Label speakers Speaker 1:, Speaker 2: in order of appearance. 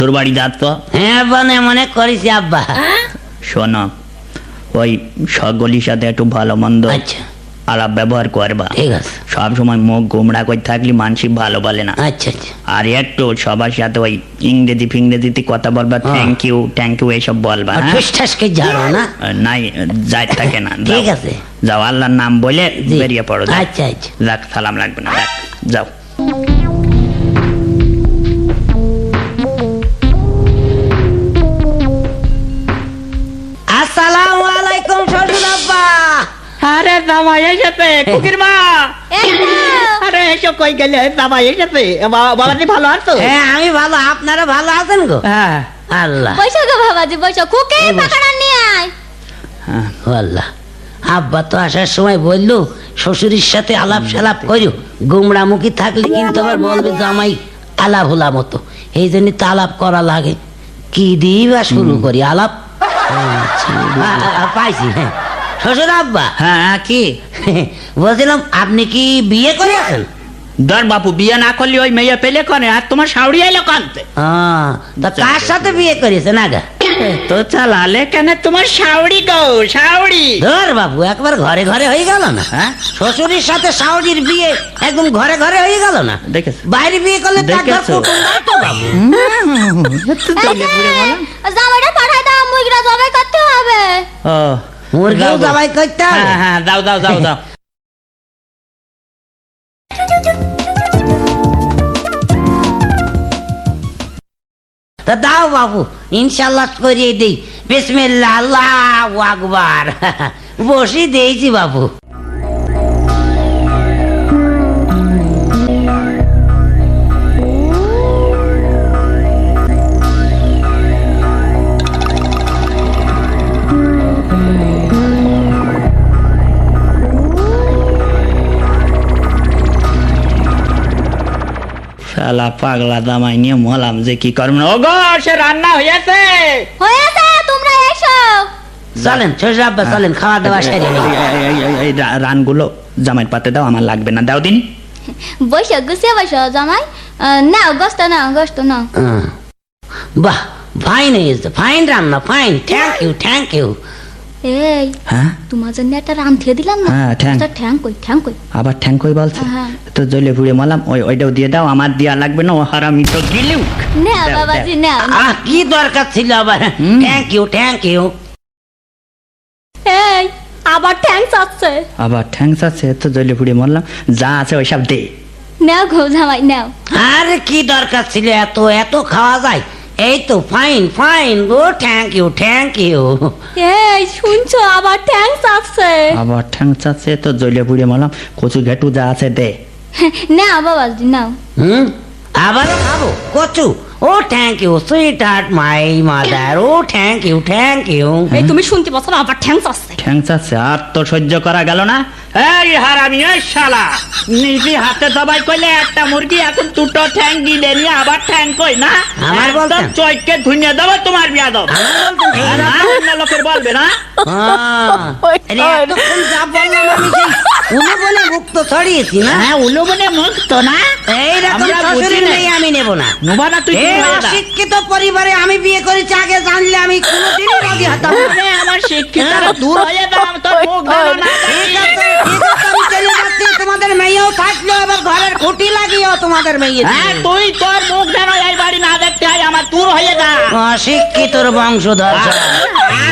Speaker 1: তোর বাড়ি যাচ্ছ?
Speaker 2: হ্যাঁ মনে মনে করিস আব্বা।
Speaker 1: শোনো, ওই সকলের সাথে একটু ভালো মন্দ
Speaker 2: আচ্ছা
Speaker 1: আলাপ ব্যবহার করবা।
Speaker 2: ঠিক আছে।
Speaker 1: সব সময় মুখ গোমড়া করে থাকলে মানুষ ভালো বলে না।
Speaker 2: আচ্ছা আচ্ছা।
Speaker 1: আর একটু সবার সাথে ওই ইংরেজি ফিংরেজিতে কথা বলবা, থ্যাংক ইউ এইসব বলবা।
Speaker 2: ঠুসঠাসকে ঝাড়ো না?
Speaker 1: নাই, যাই থাকে না।
Speaker 2: ঠিক আছে,
Speaker 1: যাও, আল্লাহর নাম বলে বেরিয়ে পড়ো।
Speaker 2: আচ্ছা আচ্ছা।
Speaker 1: যাক, সালাম লাগবে না, যাও।
Speaker 2: আসসালামু আলাইকুম শ্বশুর আব্বা।
Speaker 1: আরে জামাই এসেছে, কুকির মা। আরে এসো, কই গেলে? জামাই এসেছে। বাবাজি ভালো আছো?
Speaker 2: হ্যাঁ আমি ভালো, আপনারা ভালো আছেন গো?
Speaker 1: হ্যাঁ।
Speaker 2: আল্লাহ।
Speaker 3: বৈশা গো বাবাজি, বৈশা। কুকে পাকাড়া নিয়ে আয়।
Speaker 2: আল্লাহ, আব্বা তো আসার সময় বললো শ্বশুরের সাথে আলাপ সালাপ করিও, গুমরামুখী থাকলে কিন্তু আবার বলবে জামাই আলাপ হোলা মতো, এই জন্য তো আলাপ করা লাগে। কি দিয়ে বা শুরু করি আলাপ? পাইছি। হ্যাঁ শ্বশুর আব্বা।
Speaker 1: হ্যাঁ, কি
Speaker 2: বলছিলাম আপনি কি বিয়ে করেছেন?
Speaker 1: ধর বাপু, বিয়ে না করলে ওই মেয়ে পেলে করে। আর তোমার শাউরি আইলো কানতে।
Speaker 2: তা কার সাথে বিয়ে করেছেন আগা?
Speaker 1: তো চালালে কেন তোমার শাউরি গো, শাউরি।
Speaker 2: ধর বাবু, একবার ঘরে ঘরে হয়ে গেল না?
Speaker 1: হ্যাঁ,
Speaker 2: শ্বশুরের সাথে শাওরির বিয়ে একদম ঘরে ঘরে হয়ে গেল না?
Speaker 1: দেখেছ?
Speaker 2: বাইরে বিয়ে করলে তো একবার
Speaker 1: দেখেছো?
Speaker 2: কুটুম নাই তো বাবু।
Speaker 3: জামাইটা পাঠাই দাও, মুইগরা জবাই করতে হবে।
Speaker 1: ও,
Speaker 2: মুরগিও
Speaker 1: যাও গো।
Speaker 2: জবাই করতে হবে?
Speaker 1: হ্যাঁ হ্যাঁ, যাও যাও যাও যাও।
Speaker 2: তা দাও বাবু, ইনশাল্লাহ করিয়ে দেই। বিসমিল্লাহ, আল্লাহু আকবার। বসি দিয়েছি বাবু।
Speaker 1: শালা পাগলা জামাই নিয়ে মলাম যে কি করব। ও গো, সে রান্না হয়েছে।
Speaker 3: হয়েছে, তোমরা এসো।
Speaker 2: চলেন শ্বশুর আব্বা, চলেন, খাওয়া দাওয়া সেরে নেই।
Speaker 1: এই রানগুলো জামাইয়ের পাতে দাও, আমার লাগবে না। দাও দিন।
Speaker 3: বৈশা গুছিয়ে বসো জামাই। নাও গোস্ত, নাও গোস্ত নাও।
Speaker 2: বাহ, ফাইন হয়েছে, ফাইন রান্না, fine. Thank you, thank you.
Speaker 3: এই,
Speaker 1: হ্যাঁ,
Speaker 3: তোমার জন্য একটা রাম থিয়ে দিলাম না।
Speaker 1: হ্যাঁ, ঠ্যাং।
Speaker 3: ঠ্যাং কই, ঠ্যাং কই?
Speaker 1: আবার ঠ্যাং কই বলছে?
Speaker 3: হ্যাঁ।
Speaker 1: তো জ্বলে পুড়ে মলাম, ওইটাও দিয়ে দাও। আমার দিয়া লাগবে না, ও হারামি তো গিলুক।
Speaker 3: নাও
Speaker 1: দাও,
Speaker 3: বাবাজি, নাও।
Speaker 2: কি দরকার ছিল আবার? Thank you, thank you.
Speaker 3: এই, আবার ঠ্যাং চাচ্ছে।
Speaker 1: আবার ঠ্যাং আছে, তো জ্বলে পুড়ে মরলাম। যা আছে ওইসব দে।
Speaker 3: নাও গো জামাই, নাও।
Speaker 2: আরে কি দরকার ছিল এত এত খাওয়া যায়? এই তো ফাইন ফাইন গো, থ্যাংক ইউ, থ্যাংক ইউ।
Speaker 3: এই শুনছো, আবার ঠ্যাং চাচ্ছে।
Speaker 1: আবার ঠ্যাং আছে, তো জ্বলে পুড়ে মরলাম। কচু ঘেটু যা আছে দে।
Speaker 3: নাও বাবাজি, নাও।
Speaker 2: আবারও খাবো কচু? Oh thank you sweetheart my mother. Oh thank you, thank you.
Speaker 3: এই তুমি শুনতে পাচ্ছ না, আবার ঠ্যাং চাচ্ছে।
Speaker 1: ঠ্যাং আছে, আর তো সহ্য করা গেল না। এই হারামি, এই শালা, নিজে হাতে সবাই কইলে একটা মুরগি, এখন দুটো ঠ্যাং গিলে নিয়ে আবার ঠ্যাং কই না?
Speaker 2: আমার বলতেন?
Speaker 1: চৈকে ধুনিয়ে দেবো তোমার বিয়া দাও। অন্য লোকের বলবে না।
Speaker 2: এতক্ষণ যা বললাম আমি সেই উলো বলে মুক্ত ছড়িয়েছি না?
Speaker 1: হ্যাঁ, উলো বলে মুক্ত না।
Speaker 2: এইরকম
Speaker 1: আমরা বুঝি
Speaker 2: শ্বশুরের
Speaker 1: না।
Speaker 2: মেয়ে আমি নেব না।
Speaker 1: নোবা না তুই।
Speaker 2: এই অশিক্ষিত পরিবারে আমি বিয়ে করেছি, আগে জানলে আমি কোনোদিনই রাজি হতাম না।
Speaker 1: আরে, আমার শিক্ষিতারা দূর হয়ে দাও, তোর মুখ ধরো না।
Speaker 2: ঠিক আছে, ঠিক আছে, আমি চলে যাচ্ছি। তোমাদের মেয়েও থাকলো, আবার ঘরের খুঁটি লাগিও তোমাদের মেয়ে।
Speaker 1: হ্যাঁ, তুই তোর মুখ যেন এই বাড়ি না দেখতে হয়, আমার দূর হয়ে যা।
Speaker 2: অশিক্ষিতর বংশধর।